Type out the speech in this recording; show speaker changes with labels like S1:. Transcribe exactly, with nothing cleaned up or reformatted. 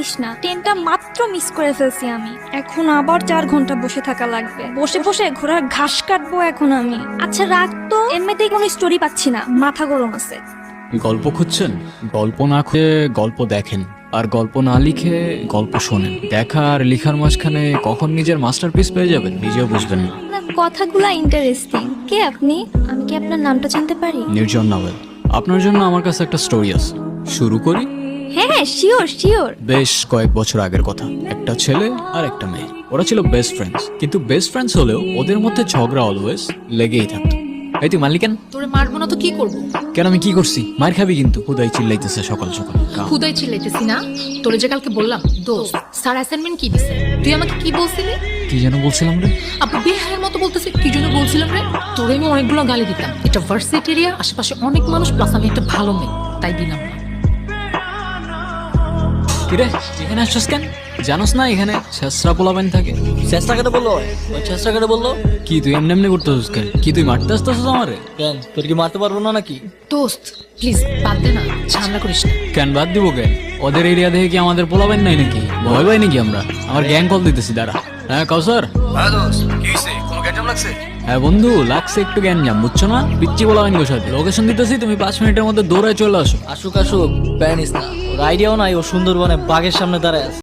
S1: বলিস না, ট্রেনটা মাত্র মিস করে ফেলছি আমি। এখন আবার চার ঘন্টা বসে থাকা লাগবে, বসে বসে ঘোড়ার ঘাস কাটবো এখন আমি। আচ্ছা রাখ তো, এমনিতেই কোনো স্টোরি পাচ্ছি না, মাথা গরম আছে।
S2: গল্প খুঁজছেন? গল্প না খুঁজে গল্প দেখেন, আর গল্প না লিখে গল্প শোনেন। দেখা আর লিখার মাঝখানে কখন নিজের মাস্টারপিস পেয়ে যাবেন নিজেও বুঝবেন না।
S1: আপনার কথাগুলা ইন্টারেস্টিং। কে আপনি? আমি কি আপনার নামটা জানতে পারি?
S2: নির্জন নাভেল। আপনার জন্য আমার কাছে একটা স্টোরি আছে, শুরু করি?
S1: হ্যাঁ হ্যাঁ, শিওর শিওর।
S2: বেশ কয়েক বছর আগের কথা। একটা ছেলে আর একটা মেয়ে, ওরা ছিল বেস্ট ফ্রেন্ডস। কিন্তু বেস্ট ফ্রেন্ডস হলেও ওদের মধ্যে ঝগড়া অলওয়েজ লেগেই থাকতো। এই তুই মালিক কেন?
S3: তোরে মারবো না তো কি করবো?
S2: কেন, আমি কি করছি? মার খাবি কিন্তু। হুদাই চিল্লাইতেছে সকাল সকাল। কাম।
S3: খুদাই চিল্লাইতেছি না, তোরে যে কালকে বললাম দোস্ত স্যার অ্যাসাইনমেন্ট কি দিছে, তুই আমাকে কি বলছিলি?
S2: কি যেন বলছিলাম রে?
S3: আপু বেহায়ের মতো বলতেছে, কি জন্য বলছিলাম রে? তোরে আমি অনেকগুলো গালি দিতাম। এটা ভার্সিটি এরিয়া, আশেপাশে অনেক মানুষ, প্লাস আমি একটা ভালো মেয়ে, তাই দিলাম না।
S2: কিরে এখানে আসছস কেন? জানোস না এখানে ছেসরা পোলাবেন থাকে?
S4: চেষ্টা কেটে বললো ওই চেষ্টা কেটে বললো
S2: কি তুই এমনি এমনি করতেছিস কেন? কি তুই মারতে আসতেছিস আমারে?
S4: কেন তোর কি মারতে পারবো না নাকি?
S3: দোস্ত প্লিজ বাদ দে না, ঝামেলা করিস না।
S2: কেন বাদ দিব কেন? ওদের এরিয়া দেখে কি আমাদের পোলাবেন নাই নাকি? ভয় পাই নাকি আমরা? আমার গ্যাং কল দিতেছি দাঁড়া। হ্যাঁ কাউসার।
S5: হ্যাঁ দোস্ত, কি হইছে? কোনো গ্যাঞ্জাম লাগছে?
S2: হ্যাঁ বন্ধু, লাগছে একটু গ্যাঞ্জাম, বুঝছো না? পিচ্ছি পোলাবেন গো সাথে। লোকেশন দিতেছি, তুমি পাঁচ মিনিটের মধ্যে দৌড়ায় চলে আসো।
S4: আসুক আসুক, প্যানিস না, ওর আইডিয়াও নাই, ও সুন্দরবনে বাঘের সামনে দাঁড়ায় আছে।